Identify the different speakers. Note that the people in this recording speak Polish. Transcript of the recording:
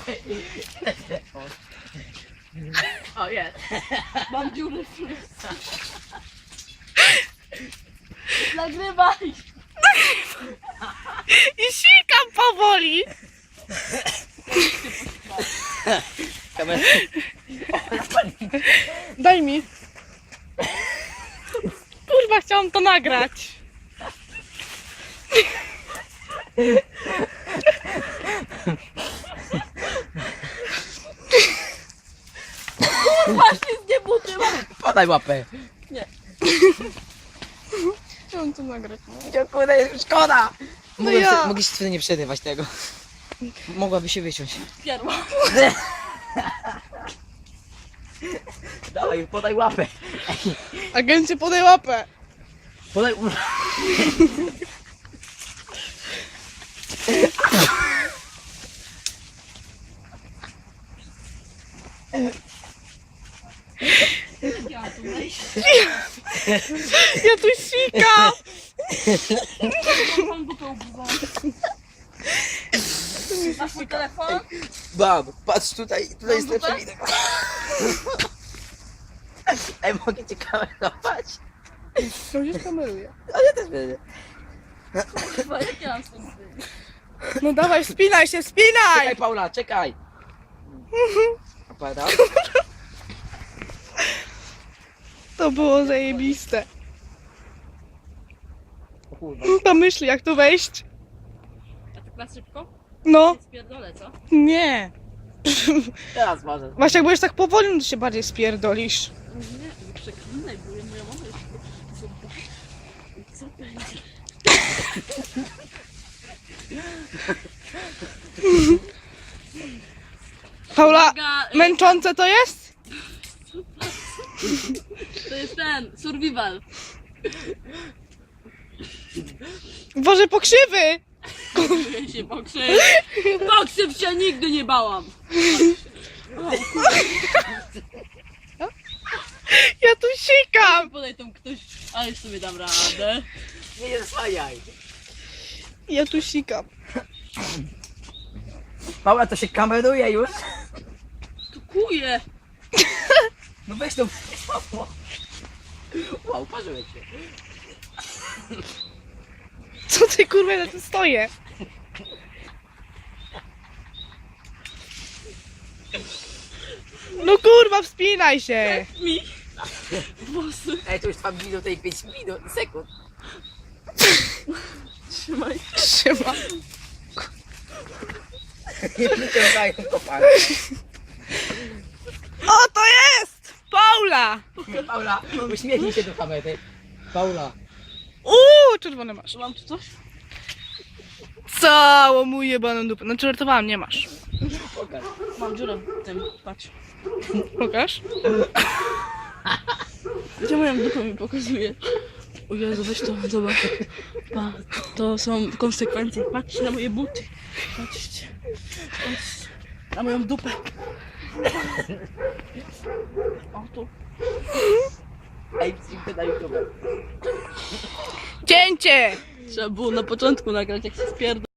Speaker 1: O jest.
Speaker 2: Mam dziurę w środku. Nagrywaj!
Speaker 3: I sikam powoli.
Speaker 1: Kamerę.
Speaker 3: Daj mi. Kurwa, chciałam to nagrać.
Speaker 2: Kurwa, wszystkie buty mam!
Speaker 1: Podaj łapę.
Speaker 3: Chciałam to nagrać.
Speaker 1: Dziękuję, szkoda.
Speaker 3: ja.
Speaker 1: Mogliście wtedy nie przerywać tego. Mogłaby się wyciąć.
Speaker 2: Pierwa.
Speaker 1: Dawaj, podaj łapę.
Speaker 3: Agencie, podaj łapę.
Speaker 1: Podaj...
Speaker 3: Ja tu sikam.
Speaker 2: Mam dupę ubudzoną. Masz mój telefon?
Speaker 1: Bab, patrz tutaj, tutaj jest lepszy widok. Ej, mogę cię kamerować?
Speaker 3: To już kameruję.
Speaker 1: A ja też będę.
Speaker 2: Kurwa, jak ja mam stąd wyjść?
Speaker 3: No dawaj, wspinaj się, wspinaj.
Speaker 1: Czekaj, Paula, czekaj. Opada.
Speaker 3: To było zajebiste.
Speaker 1: O kurwa.
Speaker 3: Pomyśl, jak tu wejść.
Speaker 2: A tak na szybko?
Speaker 3: No,
Speaker 2: Spierdolę, co?
Speaker 3: nie.
Speaker 1: Teraz może.
Speaker 3: Właśnie jak będziesz tak powoli, to się bardziej spierdolisz.
Speaker 2: Nie, nie przeklinaj, bo moja mama już... Co będzie?
Speaker 3: Paula,
Speaker 2: Uwaga,
Speaker 3: męczące to jest?
Speaker 2: To jest ten, survival.
Speaker 3: Boże, pokrzywy!
Speaker 2: Czuję się pokrzyw. Pokrzyw się nigdy nie bałam.
Speaker 3: Ja tu sikam!
Speaker 2: Podaj tam ktoś, ale już sobie dam radę.
Speaker 1: Nie zasłaniaj.
Speaker 3: Ja tu sikam.
Speaker 1: Paula, to się kameruje już.
Speaker 2: Tu kuje.
Speaker 1: No weź to. Wow, parzyłeś się.
Speaker 3: Co ty kurwa, na tym stoję? No kurwa, wspinaj się!
Speaker 2: Mi. Włosy.
Speaker 1: Ej, to już trwa minut i 5 minut, sekund.
Speaker 2: Trzymaj.
Speaker 3: Trzyma.
Speaker 1: Nie wyciągają kopalni.
Speaker 3: O, to jest! Paula!
Speaker 1: Paula, uśmiechnij się do kamery. Paula.
Speaker 3: Czerwone masz.
Speaker 2: Mam tu coś?
Speaker 3: Całą mu jebaną dupę. Znaczy, żartowałam, nie masz.
Speaker 1: Pokaż.
Speaker 2: Mam dziurę w tym, patrz.
Speaker 3: Pokaż.
Speaker 2: Gdzie moją dupę mi pokazuje? O Jezu, weź to, zobacz. Pa, to są konsekwencje. Patrzcie na moje buty. Patrzcie. Patrzcie. Na moją dupę. O tu.
Speaker 1: Ej, wstrzymaj na YouTube.
Speaker 3: Cięcie!
Speaker 2: Trzeba było na początku nagrać, jak się spierdol.